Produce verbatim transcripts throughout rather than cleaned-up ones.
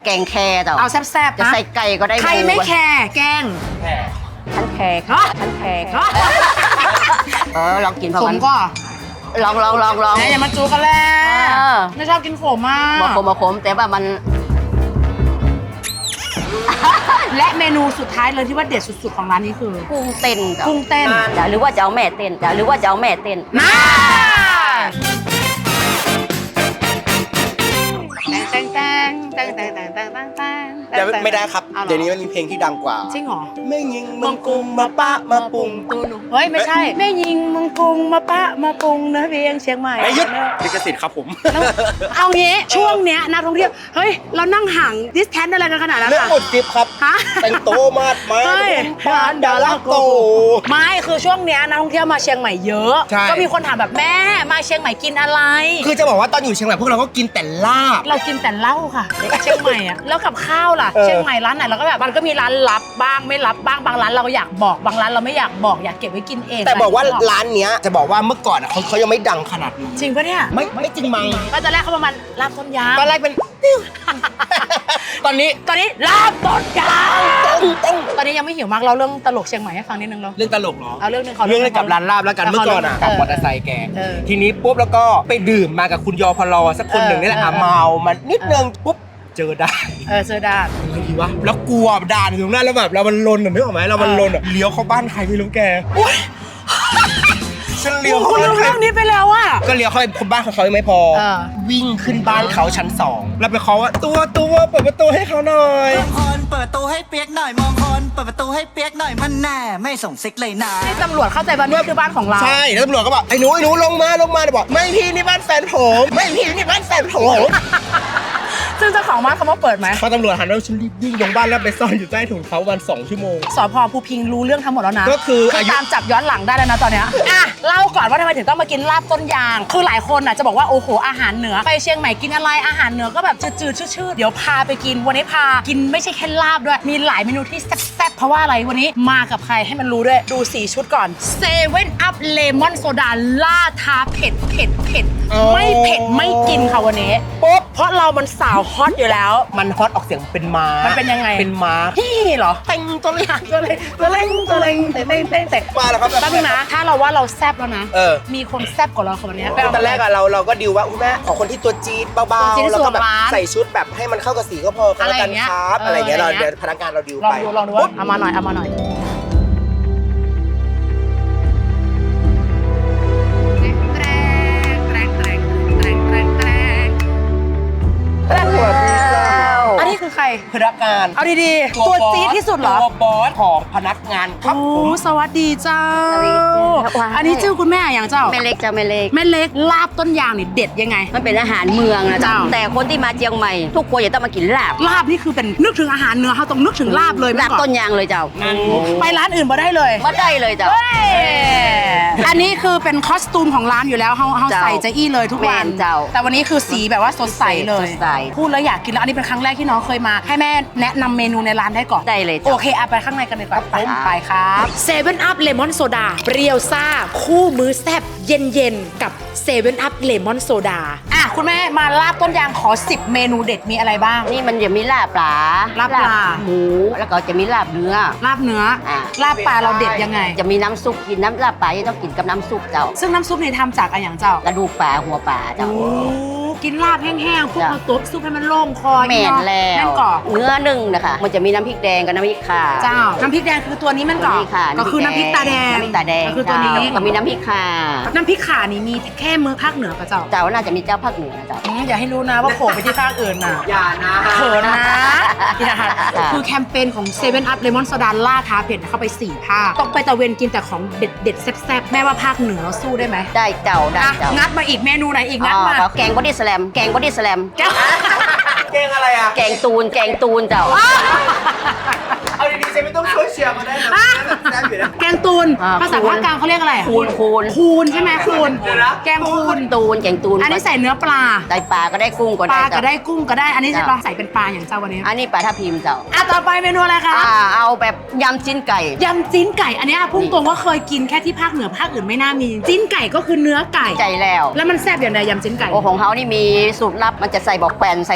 กงแครเจ้าเอาแซ่บๆจะใส่ไก่ก็ได้ใครไม่แคร์แกงฉันแคร์ฉันแคร์เออลองกินพอผมกันก็ลองลองลองลองอย่ามาจูกันแล้วเออไม่ชอบกินขมมากมาขมมาขมแต่ว่ามันและเมนูสุดท้ายเลยที่ว่าเด็ดสุดๆของร้านนี้คือกุ้งเต้นจ้ะกุ้งเต้นจ้ะหรือว่าจะเอาแม่เต้นจ้ะหรือว่าจะเอาแม่เต้นมาแตงแตงแตงแตงแตงแตงแตงแตงจะไม่ได้ครับอาหรอเดี๋ยวนี้มันมีเพลงที่ดังกว่าจริงเหรอไม่ยิงมังกุมมาปะมาปุงตูหนูเฮ้ยไม่ใช่แม่ยิงมังกรุงมาปะมาปรุงนะเพียงเชียงใหม่ไอ้ยุดลิขสิทธิ์ครับผมแล้วเอางี้ช่วงเนี้ยนักท่องเที่ยวเฮ้ยเรานั่งห่างดิสแทนอะไรกันขนาดนั้นเรื่องอะหมดจิบครับฮะแต่งโตมาดมาเฮ้ยบ้านดาราโกไม่คือช่วงเนี้ยนักท่องเที่ยวมาเชียงใหม่เยอะใช่ก็มีคนถามแบบแม่มาเชียงใหม่กินอะไรคือจะบอกว่าตอนอยู่เชียงใหม่พวกเราก็กินแต่ลาบเรากินแต่เหล้าค่ะ เชียงใหม่อะแล้วกับข้าวล่ะเออเชียงใหม่ร้านไหนเราก็แบบมันก็มีร้านลับบ้างไม่ลับบ้างบางร้านเราอยากบอกบางร้านเราไม่อยากบอกอยากเก็บไว้กินเองแต่บอกว่าร้านเนี้ยจะบอกว่าเมื่อก่อนอะเขาเขายังไม่ดังขนาดนี้จริงปะเนี่ยไม่ไม่จริงมั้งก็จะแรกเขาประมาณลาบต้นยางตอนแรกเป็น ตอนนี้ตอนนี้ลาบต้นยางต้องต้องตอนนี้ยังไม่หิวมากเราเรื่องตลกเชียงใหม่ให้ฟังนิดนึงเราเรื่องตลกเหรอเอาเรื่องหนึงขอเรื่องเกี่ยวกับร้านลาบแล้วกันเมื่อก่อนอ่ะกับมอเตอร์ไซค์แกเออทีนี้ปุ๊บแล้วก็ไปดื่มมากับคุณยอพลอสักคนหนึ่งนี่แหละอ่ะเออเมามานิดนึงปุ๊บเจอด่านเออเซอร์ดาดยังไงดีวะแล้วกลัวด่านอยู่ตรงนั้นแล้วแบบเรามันลนอ่ะนึกออกไหมเรามันลนอ่ะเลี้ยวเข้าบ้านใครไม่รู้แกฉันเลี้ยวคุเข้าณบ้านรู้ใครเรื่องนี้ไปแล้วอะก็เลี้ยวเข้าไปบ้านของเขายังไม่พอเออวิ่งขึ้นบ้านเขาชั้นสองแล้วไปเคาะว่าตัวตัวเปิดประตูให้เขาหน่อยมองคนเปิดประตูให้เปียกหน่อยมองคนเปิดประตูให้เปียกหน่อยมันแน่ไม่ส่งซิกเลยนะที่ตำรวจเข้าใจว่านี่คือบ้านของเราใช่แล้วตำรวจก็บอกไอ้หนูไอ้หนูลงมาลงมาเดี๋ยวบอกไม่พี่นี่บ้านแฟนผมไม่พี่นี่บ้านแฟนผมซึ่งเจ้าของบ้านเขามาเปิดไหมพอตำรวจหันมาฉันรีบวิ่งลงบ้านแล้วไปซ่อนอยู่ใต้ถุงเขาวันสองชั่วโมงสพภูพิงรู้เรื่องทั้งหมดแล้วนะก็คืออายุตามจับย้อนหลังได้แล้วนะตอนเนี้ยอ่ะเล่าก่อนว่าทำไมถึงต้องมากินลาบต้นยาง คือหลายคนอ่ะจะบอกว่าโอ้โหอาหารเหนือไปเชียงใหม่กินอะไรอาหารเหนือก็แบบจืดๆชืดๆเดี๋ยวพาไปกินวันนี้พากินไม่ใช่แค่ลาบด้วยมีหลายเมนูที่แซ่บๆเพราะว่าอะไรวันนี้มากับใครให้มันรู้ด้วยดูสีชุดก่อนเซเว่นอัพเลมอนโซดาล่าท้าเผ็ดเผ็ดเผ็ดไม่เผ็ดไม่กินค่ะวันนี้ปุ๊บเพราะเรามันสาวฮอตอยู่แล้วมันฮอตออกเสียงเป็นม้ามันเป็นยังไงเป็นม้าพี่เหรอเต็งตัวเล็งตัวเล็งตัวเล็งตัวเล็งเต็งเต็งเต็งเต็งมาแล้วครับแป๊บนึงนะ ถ้าเราว่าเราแซบแล้วนะเออมีคนแซบกว่าเราคนนี้ตอนแรกอะเราเราก็ดิวว่าคุณแม่ขอคนที่ตัวจี๊ดเบาตัวจี๊ดๆแล้วก็แบบที่สุดของร้านใส่ชุดแบบให้มันเข้ากับสีก็พอก็แล้วกันครับอะอะไร ไรอย่างเงี้เงี้ยยเราเออเดี๋ยวพนักงานเราดิวลองไปดูลองดูปุ๊บเอามาหน่อยเอามาหน่อยอันนี้คือใครพนักงานเอาดีๆ ตัวจี๊ดที่สุดเหรอตัวบอสของพนักงานครับโอ้ผมสวัสดีเจ้าสวัสดีจ้าอันนี้ชื่อคุณแม่อย่างเจ้าแม่เล็กจ้ะแม่เล็กแม่เล็กลาบต้นยางนี่เด็ดยังไงมันเป็นอาหารเมืองนะจ๊ะเจ้าแต่คนที่มาเชียงใหม่ ทุกคนจะต้องมากินลาบลาบนี่คือเป็นนึกถึงอาหารเนื้อเขาต้องนึกถึงลาบเลยลาบเมื่อก่อต้นยางเลยเจ้าไปร้านอื่นมาได้เลยมาได้เลยเจ้าเฮ้ยอันนี้คือเป็นคอสตูมของร้านอยู่แล้วเขาเขาเจ้าใส่จะอี้เลยทุกวันแม่นเจ้าแต่วันนี้คือสีแบบว่าสดใสเลยสดใสพูดแล้วอยากกินแล้วอันนี้เป็นครั้งแรกที่น้องเคยมา ให้แม่แนะนำเมนูในร้านได้ก่อนได้เลยโอเจ้าเคเอาไปข้างในกันเลยครับครับไปครับเซเว่นอัพเลมอนโซดาเปรี้ยวซ่า คู่มื้อแซ่บเย็นเย็นๆกับเซเว่นอัพเลมอนโซดาอ่ะคุณแม่มาลาบต้นยางขอสิบเมนูเด็ดมีอะไรบ้างนี่มันจะมีลาบปลาลาบปลาหมูแล้วก็จะมีลาบเนื้อลาบเนื้ออ่ะลาบปลาเราเด็ดยังไงจะมีน้ำซุปกินน้ำลาบปลาจะต้องกินกับน้ำซุปเจ้าซึ่งน้ำซุปนี่ทำจากอะไรอย่างเจ้ากระดูกปลาหัวปลาเจ้าโอ้กินลาบแห้งๆพวกจ้ะมาตุ๊บซุปให้มันโล่งคอแม่นเนาะแล้วม่นก่อเนื้อหนึ่งนะคะมันจะมีน้ำพริกแดงกับน้ำพริกข่าเจ้า น้ำพริกแดงคือตัวนี้มันก่อนี่ค่ะก็คือน้ำพริกตาแดงน้ำพริกตาแดงก็คือตัวนี้เจ้าก็มีน้ำพริกข่าน้ำพริกข่านี่มีแค่มือภาคเหนือกับเจ้าเจ้าน่าจะมีเจ้าภาคเหนือเจ้าอืมอย่าให้รู้นะว่าโผล่ไปที่ภาคอื่นน่ะอย่านะเขินนะอย่าค่ะคือแคมเปญของเซเว่นอัพเลมอนโซดาล่าท้าเผ็ดเข้าไปสี่ภาคต้องไปตะเวนกินแต่ของเด็ดเด็ดๆแซ่บๆแม่ว่าภาคเหนือสู้ได้ไหมได้เจ้าได้อ่ะเจ้างัดมาอีกเมนูไหนอีกงัดมาอ๋อแกงบอดี้สแลมแกงบอดี้สแลมเจ้าเก่งอะไรอ่ะแกงตูนแกงตูนเจ้าเอาดีๆฉันไม่ต้องช่วยเชียร์มาได้นะแบบแซ่บอยู่นะแกงตูนอ่าภาษาภาคกลางเขาเรียกอะไรอ่ะคูนคูนคูนใช่ไหมคูนเดี๋ยวนะแกงคูนตูนแกงตูนอันนี้ใส่เนื้อปลาได้ปลาก็ได้กุ้งก็ปได้ลาก็เจ้าได้กุ้งก็ได้ อันนี้จะจ้ะลองใส่เป็นปลาอย่างเจ้าวันนี้อันนี้ปลาทับทิมเจ้าอ่ะต่อไปเมนูอะไรคะอ่าเอาแบบยำจิ้นไก่ยำจิ้นไก่ อันเนี้ยพุ่งตรงว่าเคยกินแค่ที่ภาคเหนือภาคอื่นไม่น่ามี จิ้นไก่ก็คือเนื้อไก่ใจแล้วแล้วมันแซ่บอย่างไรยำจิ้นไก่โอ้ของเขานี่มีสูตรลับมันจะใส่บอกแปนใส่เครื่องเทศ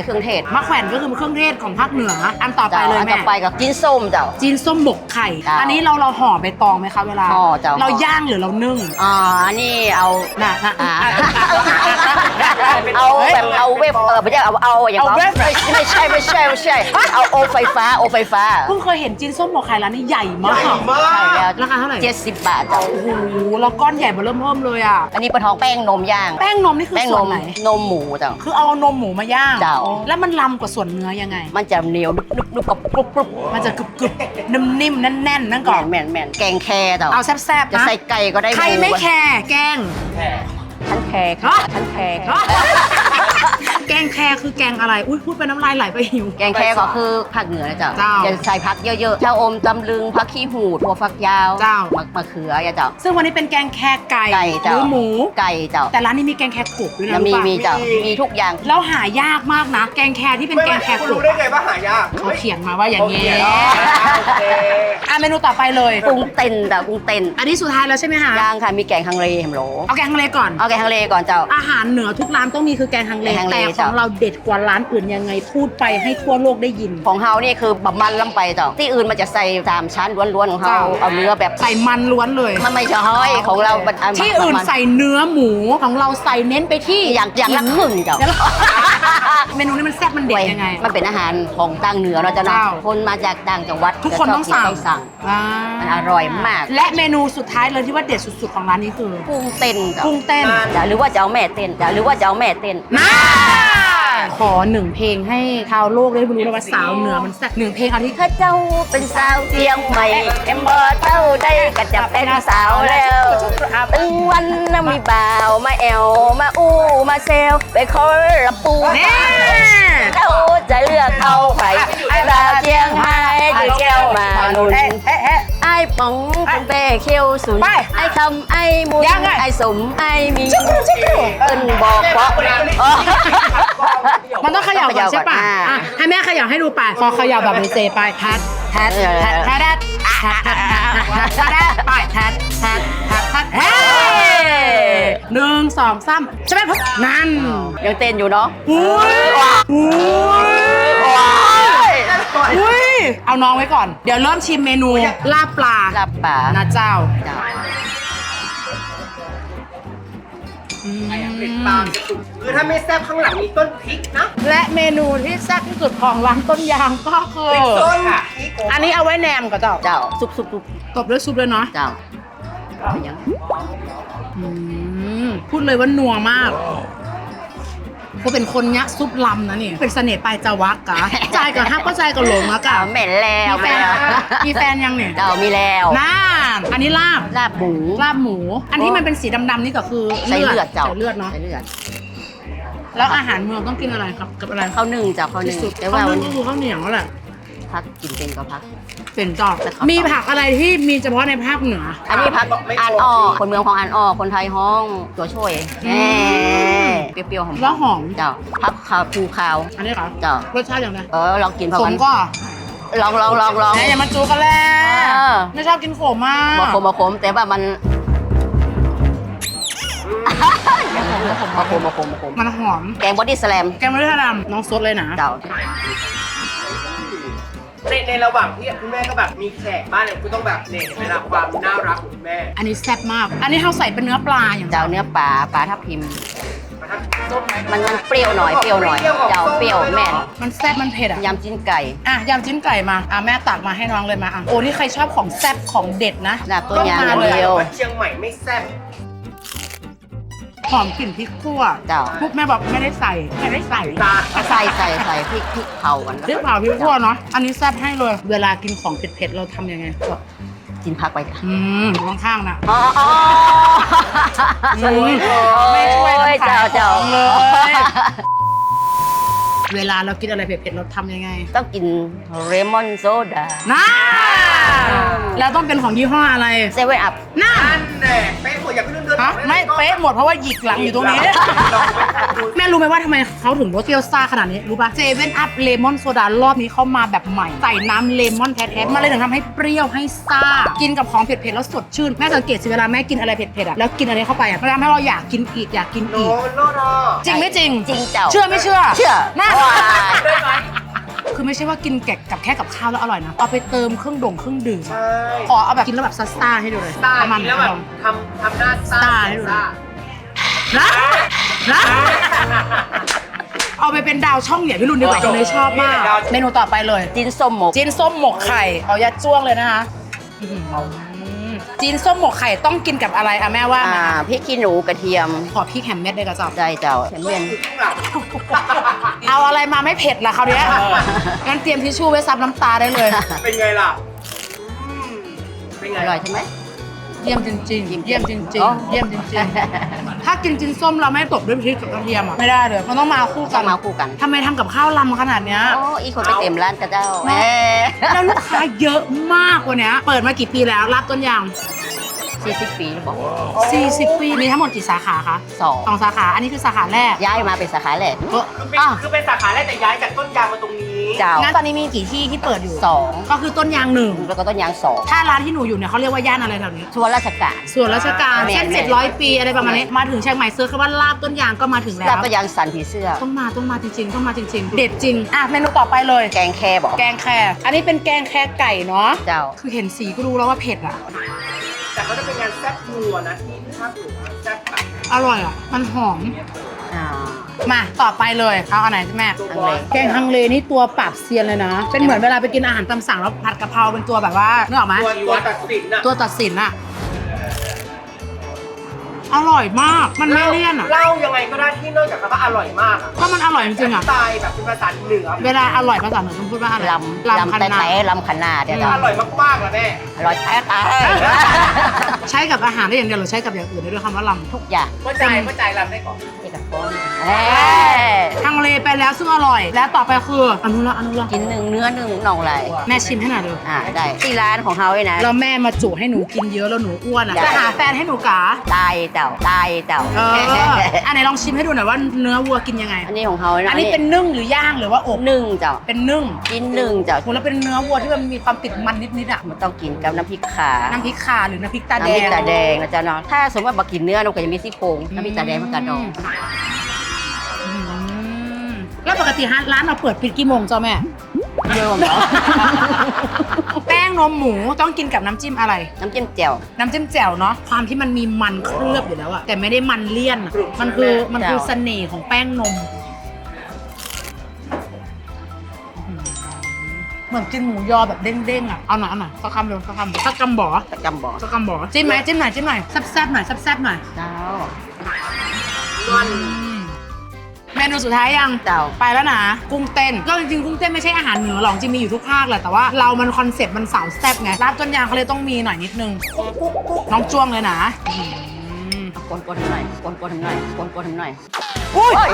ศมะแขวนก็คือเครื่องเทศของภาคเหนืออันต่อไปเลยอันแม่ต่อไปกับกินส้มเจ้าจีนส้มหมกไข่เจ้าอันนี้เราเราห่อใบตองไหมคะเวลาห่อเจ้าเราย่างหรือเรานึ่งอ่าอันนี้เอาน่ะน่ะอ่าอ่ะอ่ะอ่ะอ่ะเอาแบบเอาเว็บเออไม่ใช่เอาเอาอย่างเอาเว็บไม่ไม่ใช่ไม่ใช่ไม่ใช่เอาโอไฟฟ้าโอไฟฟ้าเพิ่งเคยเห็นจีนส้มหมกไข่ร้านนี้ใหญ่มากใหญ่มากใช่แล้วราคาเท่าไหร่เจ็ดสิบบาทเจ้าโอ้โหแล้วก้อนใหญ่เบอเริ่มเพิ่มเลยอ่ะอันนี้ปลาทองแป้งนมย่างแป้งนมนี่คือแป้งส่นวนมไหนนมหมูเจ้าคือเอานมหมูมาย่างเจ้าแล้วมันลำกว่าส่วนเนื้อยังไงมันจะเหนียวนุบนุบนุบกับกรุบกรุบมันจะกรึบกรึบนิ่มๆแน่นๆนั่นก่อนแม่นแม่นแกงแคเจ้าเอาแซ่บๆจะนะใส่ไก่ก็ได้ใครไม่หแคร์แกงฉันแขกฮะฉันแขกแกงแคร์คือแกงอะไร อุ้ยพูดไปน้ำลายไหลไปหิวแกงแคก็คือภาคเหนือนะเจ้าเจ้าจะใส่ผักเยอะๆเจ้าอมตำลึงผักขี้หูดหัวฟักยาวเจ้ามะมะเขืออย่าเจ้าซึ่งวันนี้เป็นแกงแคร์ไก่ไก่หเจ้ารือหมูไก่เจ้าแต่ร้านนี้มีแกงแคร์กบด้วยนะแล้วมีรู้ปะมีเจ้ามีทุกอย่างแล้วหายากมากนะ แกงแคร์ที่เป็นแกงแคร์คุณกรู้บได้ไงว่าหายากเขาเขียนมาว่าอย่างนี้โอเคอ่ะเมนูต่อไปเลยกุ้งเต้นเจ้ากุ้งเต้นอันนี้สุดท้ายแล้วใช่ไหมคะย่างค่ะมีแกงฮังเลเห็นโหลเอาแกงฮังเลก่อนเอาแกงฮังเลก่อนเจ้าอาหารเหนือทุกร้านต้องมีคือแกงฮังเลแกงฮังเลแต่ขจ้ะองเราเด็ดกว่าร้านอื่นยังไงพูดไปให้ทั่วโลกได้ยินของเฮานี่คือบะมันลำไปเจ้าที่อื่นมันจะใส่สามชั้นล้วนๆของเฮาเจ้าเอาเนื้อแบบใส่มันล้วนเลยมันไม่ใช่ห้อยของเรามันอัที่อื่นบะมัใส่เนื้อหมูของเราใส่เน้นไปที่อย่างอย่างละครึ่งเจ้าเมนูนี้มันแซ่บมันเด็ดยังไงมันเป็นอาหารของต่างเหนือเราะเจ้าเนาะเจ้าคนมาจากต่างจังหวัดทุกคนต้องสั่งจะชบกินต้องสั่งอ่ามันอร่อยมากและเมนูสุดท้ายเลยที่ว่าเด็ดสุดๆของร้านนี้คือกุ้งเต้นเจ้ากุ้งเต้นจ้ะหรือว่าจะเอาแม่เต้นจ้ะหรือว่าจะเอาแม่เต้นน่าขอหนึ่งเพลงให้ชาวโลกได้รู้เลยว่าสาวเหนือมันแซ่บหนึ่งเพลงเอาที่ข้าเจ้าเป็นสาวเชียงใหม่เอ็มบอเท่าได้ก็จะเป็นสาวแล้วตึงวันน่ะมีบ่าวมาแอวมาอู้มาเซลไปคอระปูแน่เขาจะเลือกเอาใครสาวเชียงใหม่จะแก้วมาหนุนไอ้ป๋องเป็นเป้เขียวสุนไอ้คำไอ้มุนไอ้สมไอ้มีเอิ้นบอกเพราะอ๋อมันต้องเขย่าก่อนใช่ปะอ่าอ่ะให้แม่เขย่าให้ดูไปพอเขย่าแบบเซไปแทดแทดแทดแทดแทดแทดแทดแทดแทดไปแทดแทดแทดแทดเฮ้หนึ่งสองสามใช่ไหมปุ๊บนั่นยังเต้นอยู่เนาะอุ้ยอุ้ยอุ้ยเอาน้องไว้ก่อน เดี๋ยวเริ่มชิมเมนูลาบปลาลาบป่านะเจ้าเจ้าอืมคือถ้าไม่แซ่บข้างหลังมีต้นพริกนะและเมนูที่แซ่บที่สุดของร้านต้นยางก็คือต้นพริกอันนี้เอาไว้แหนมกับเจ้าเจ้าซุบซุบซุบตบด้วยซุปเลยเนาะเจ้าเอายังอืมพูดเลยว่านัวมากก็เป็นคนเนี้ยซุปลำนะนี่เป็นเสน่ห์ปลายจวักกะใจกับฮักก็ใจกับหลงอะกะเจ้าเหม็นแล้วมีแฟแม่นมีแฟนยังเนี่ยเจ้ามีแล้วน่าอันนี้ลาบลาบหมูลาบหมู อันที่มันเป็นสีดำๆนี่ก็คือใส่เลือดเจ้าใส่เลือดเนาะใส่เลือดแล้วอาหารเมืองต้องกินอะไรครับกับอะไรข้าวนึ่งเจ้าข้าวนึ่ที่งสุดแต่ข้าว่าว วันึ่นงก็คือข้าวเหนียวแหละพักกินเป็นก็พักเป็นจอบแต่ข้าวมีผักอะไรที่มีเฉพาะในภาคเหนืออันนี้พักอ่านอ้อคนเมืองของอ่านอ้อคนไทยห้องตัวช่วยอืแหมเปรี้ยวๆหอมแล้วหอมเจ้าพักขาวภูขาวอันนี้ค่ะเจ้ารสชาติอย่างไรเออลองกินพอขกัมนก็ลองลองลองลองแหมอย่ามาจูกันแล้วเออไม่ชอบกินขมมากบะขมบะขมแต่ว่ามันบะขมบะขมบะขมมันหอมแกงบอดี้สแลมแกงมะเขือดำน้องซดเลยนะเจ้าในในระหว่างที่คุณแม่ก็แบบมีแขกบ้านเนี่ยคุณต้องแบบเนี่ยเวลาความน่ารักของคุณแม่อันนี้แซ่บมาก อันนี้เขาใส่เป็นเนื้อปลาอย่างเจ้าเนื้อปลาปลาทับทิมประทับส้มไหมมันมันเปรี้ยวหน่อยเปรี้ยวหน่อยเจ้าเปรี้ยวแม่นมันแซ่บมันเผ็ดอ่ะยำจิ้นไก่อ่ะยำจิ้มไก่มา อ่ะแม่ตักมาให้น้องเลยมาอ่ะโอ้นี่ใครชอบของแซ่บของเด็ดนะลาบต้นยางต้องมาอย่างเดียวเชียงใหม่ไม่แซ่บหอมกลิ่นพริกคั่วเจ้าพวกแม่บอกไม่ได้ใส่ ไม่ได้ใส่ตาใส่ใส่ใส่พริกพริกเผากันพริกเผาพริกคั่วเนาะ อันนี้แซ่บให้เลย เวลากินของเผ็ดๆเราทำยังไงก็กินผักไปค่ะอืมอยู่ข้างๆนะอ๋ออ๋ออืมไม่ช่วยกันขายเจ้าเจ้าของเลย เวลาเรากินอะไรเผ็ดๆเราทำยังไงต้องกินเลมอนโซดาน่าแล้วต้องเป็นของยี่ห้ออะไรเซเว่นอัพน่าอันแน่เป๊ะหมดอย่าเพิ่งเดินฮะไม่เป๊ะหมดเพราะว่าหยิกหลังอยู่ตรงนี้ แม่รู้ไหมว่าทำไมเขาถึงรสเปรี้ยวซ่าขนาดนี้รู้ป่ะเซเว่นอัพเลมอนโซดารอบนี้เข้ามาแบบใหม่ใส่น้ำเลมอนแท้ๆมาเลยถึงทำให้เปรี้ยวให้ซ่ากินกับของเผ็ดๆแล้วสดชื่นแม่สังเกตสิเวลาแม่กินอะไรเผ็ดๆอ่ะแล้วกินอะไรเข้าไปอ่ะมันทำให้เราอยากกินอีกอยากกินอีกจริงไม่จริงจริงเจ้าเชื่อไม่เชื่อเชื่อนะว้ายคือไม่ใช่ว่ากินแกะกับแค่กับข้าวแล้วอร่อยนะเอาไปเติมเครื่องด่งเครื่องดื่มอะขอเอาแบบกินแล้วแบบซ่าๆให้ดูเลยประมาณนั้นทำทำหน้าซ่าซ่าให้ดูนะนะนะเอาไปเป็นดาวช่องเหนียพี่รุ่นดีกว่าคนนี้ชอบมากเมนูต่อไปเลยจินส้มหมกจีนส้มหมกไข่เอายัดจ้วงเลยนะคะอื้อหือจีนส้มหมกไข่ต้องกินกับอะไรอะแม่ว่าอ่าพริกขี้หนูกระเทียมขอพริกแฮมเม็ดเลยกระจอบได้เจ้าเห็นเวียนเอาอะไรมาไม่เผ็ดล่ะคราวเนี้ยงั้นเตรียมทิชชู่ไว้ซับน้ำตาได้เลยเป็นไงล่ะอืมเป็นไงอร่อยใช่ไหมเยี่ยมจริงๆเยี่ยมจริงอ๋อๆเยี่ยมจริงๆถ้ากินจีนส้มเราไม่ตบด้วยพริกกับกระเทียมอะไม่ได้เลยมันต้องมาคู่กัต้อน งมาคู่กันทำไมทำกับข้าวลำขนาดเนี้ยโอ้อีกคนไปเต็มร้านกระเจ้าแหมแล้วลูกค้าเยอะมากกว่านี้เปิดมากี่ปีแล้วรับต้นยางสี่สิบปีแล้วบอกสี่สิบ ปีมีทั้งหมดกี่สาขาคะสองสองสาขาอันนี้คือสาขาแรกย้ายมาเป็นสาขาแรกเออคือเป็นอ้าวคือเป็นสาขาแรกแต่ย้ายจากต้นยางมาตรงนี้เจ้างั้นตอนนี้มีกี่ที่ที่เปิดอยู่สองก็คือต้นยางหนึ่งแล้วก็ต้นยางสองถ้าร้านที่หนูอยู่เนี่ยเขาเรียกว่าย่านอะไรแถวนี้ส่วนราชการส่วนราชการแม่เส้นแม่เจ็ดร้อยปีอะไรประมาณนี้มาถึงเชียงใหม่เซิร์ชคำว่าลาบต้นยางก็มาถึงแล้แล้ววก็ยางสันผีเสื้อต้องมาต้องมาจริงๆต้องมาจริง ๆ เด็ดจริงอ่ะเมนูต่อไปเลยแกงแคบอกแกงแครอันนี้เป็นแกงแครไก่เนาะเจ้าคือเห็นสีก็รู้แล้วว่าเผ็ดอ่ะแต่เขาจะเป็นงานแซ่บนัวนะที่ภาคเหนือแซ่บแบบอร่อยอ่ะมันหอมอ่ามาต่อไปเลยเอาอันไหนแม่ฮังเลแกงฮังเลนี่ตัวปราบเซียนเลยนะ เป็นเหมือนเวลาไปกินอาหารตามสั่งแล้วผัดกะเพราเป็นตัวแบบว่านึกออกไหมตัวตัวตัดสินน่ะตัวตัดสินอะอร่อยมาก มันไม่เลี่ยนอะเล่ายังไงก็ได้ที่นอกจากคำว่าอร่อยมากอะก็มันอร่อยจริงๆอะสไตล์แบบเป็นภาษาเหนือเวลาอร่อยภาษาเหนือต้องพูดว่าอะไรลำลำลำคันแต่นาแต่ลำขนาดเดี๋ยวอร่อยมากๆเลยแม่อร่อยแท้ตายใช้กับอาหารได้อย่างเดียวหรือใช้กับอย่างอื่นได้ด้วยคำว่าลทุกอย่างเข้าใจเข้าใจลำได้ก่อนที่กับคนเอ้ยำฮังเลไปแล้วซึ่งอร่อย แล้วต่อไปคืออนุรักษ์อนุรักษ์กินหนึ่งเนื้อหนึ่งหน่องไหลแม่ชิมให้หน่อยดูอ่าได้ที่ร้านของเขาเลยนะแล้วแม่มาจุให้หนูกินเยอะแล้วหนูอ้วนอะอยากจะหาแฟนให้หนูกาตายเต่าตายเต่าเอออันไหนลองชิมให้ดูหน่อยว่าเนื้อวัวกินยังไงอันนี้ของเขาะอันนี้เป็นนึ่งหรือย่างหรือว่าอบหนึ่งเจ้าเป็นนึ่งกินหนึ่งเจ้าโหแล้วเป็นเนื้อวัวที่มันมีความติดมันนิดๆอ่ะมันต้องกินกับน้ำพริกขาน้ำพริกข่าหรือน้ำพริกตาแดน้ำพริงกตาแดงนะจ๊ะเนาะถ้าสมมติว่าบักกินเนื้อเราก็จะมีซี่โครงน้ำพริกตาแดงมันกระดองอืมแล้วปกติร้านเราเปิดปิดกี่โมงจ้าแม่เยอะเหรอแป้งนมหมูต้องกินกับน้ำจิ้มอะไรน้ำจิ้มแจ่วน้ำจิ้มแจ่วเนาะความที่มันมีมันเคลือบอยู่แล้วอะแต่ไม่ได้มันเลี่ยนอะมันคือมันคือเสน่ห์ของแป้งนมเหมือนกินหมูยอแบบเด้งๆอะเอาหน่อยเอาหน่อยสักคำเดียวสักคำสักกำบ่อประจำบ่อสักกำบ่อจิ้มไหมจิ้มหน่อยจิ้มหน่อยแซ่บๆหน่อยแซ่บๆหน่อยเจ้าเมนูสุดท้ายยังเจ้าไปแล้วนะกุ้งเต้นก็จริงๆกุ้งเต้นไม่ใช่อาหารเหนือหรอกจริงมีอยู่ทุกภาคแหละแต่ว่าเรามันคอนเซ็ปต์มันสาวแซ่บไงร้านต้นยางเขาเลยต้องมีหน่อยนิดนึงน้องจ้วงเลยนะกวนกวนๆหน่อยกวนกวนๆหน่อยกวนกวนๆหน่อยอุ้ย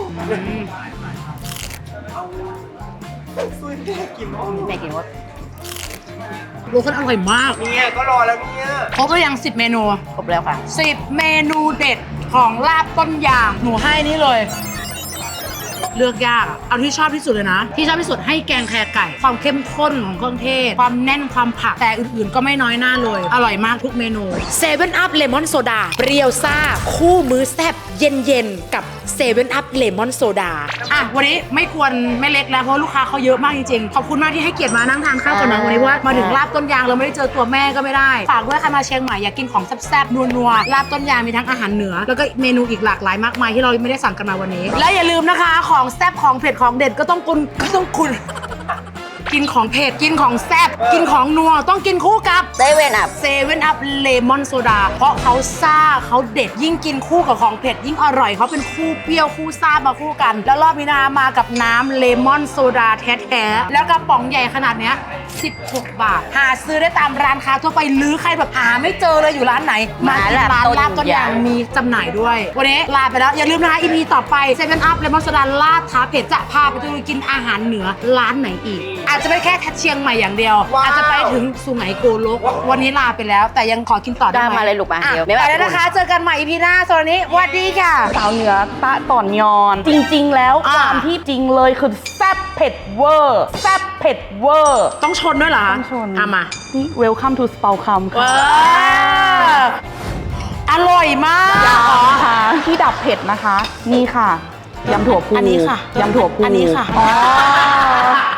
ซุยแม่กินมั้งแม่กินว่าโลคนอร่อยมากเนี่ยก็รอแล้วเนี่ยครบหรือยังสิบเมนูครบแล้วค่ะสิบเมนูเด็ดของลาบต้นยางหนูให้นี่เลย เลือกยากอะเอาที่ชอบที่สุดเลยนะ ที่ชอบที่สุดให้แกงแครไก่ ความเข้มข้นของเครื่องเทศ ความแน่นความผักแต่อื่นๆก็ไม่น้อยหน้าเลย อร่อยมากทุกเมนูเซเว่นอัพเลมอนโซดาเปรี้ยวซ่า คู่มื้อแซ่บเย็นๆกับเซเว่นอัพเลมอนโซดาอ่ะวันนี้ไม่ควรไม่เล็กแล้วเพราะลูกค้าเขาเยอะมากจริงๆขอบคุณมากที่ให้เกียรติมานั่งทานข้าวกันนะวันนี้เพราะว่ามาถึงลาบต้นยางเราไม่ได้เจอตัวแม่ก็ไม่ได้ฝากด้วยใครมาเชียงใหม่อยากกินของแซ่บๆนัวๆลาบต้นยางมีทั้งอาหารเหนือแล้วก็เมนูอีกหลากหลายมากมายที่เราไม่ได้สั่งกันมาวันนี้ และอย่าลืมนะคะของแซ่บของเผ็ดของเด็ดก็ต้องคุณก็ต้องคุณ กินของเผ็ดกินของแซ่บกินของนัวต้องกินคู่กับเซเว่นอัพเซเว่นอัพเลมอนโซดาเพราะเขาซ่าเขาเด็ดยิ่งกินคู่กับของเผ็ดยิ่งอร่อยเขาเป็นคู่เปรี้ยวคู่ซ่ามาคู่กัน แล้วรอบนี้นะมากับน้ำเลมอนโซดาแท้ๆแล้วกระป๋องใหญ่ขนาดเนี้ยสิบหกบาทหาซื้อได้ตามร้านค้าทั่วไปหรือใครแบบหาไม่เจอเลยอยู่ร้านไหนมาที่ร้านลาบต้นยางมีจำหน่ายด้วยวันนี้ลาไปแล้วอย่าลืมนะคะอีพีต่อไปเซเว่นอัพเลมอนโซดาลาดท้าเผ็ดจะพาไปดูกินอาหารเหนือร้านไหนอีกอาจจะจะไม่แค่เชียงใหม่อย่างเดียว อาจจะไปถึงสุไหงโกลก วันนี้ลาไปแล้ว แต่ยังขอกินต่อได้ได้ไหมมาเลยลูกมาอ่ะเดี๋ยวไปแล้วนะคะ เจอกันใหม่ อี พี หน้าสำหรับวันนี้สวัสดีค่ะสาวเหนือตะต่อนยอน จริง ๆ แล้วอ่าความที่จริงเลยคือแซ่บเผ็ดเวอร์แซ่บเผ็ดเวอร์ต้องชนด้วยเหรอต้องชนอ่ะมานี่ Welcome to Spau คำเอค่ะออร่อยมากค่ะที่ดับเผ็ดนะคะ นี่ค่ะยำถั่วพูอันนี้ค่ะยำถั่วพูอันนี้ค่ะอ๋อ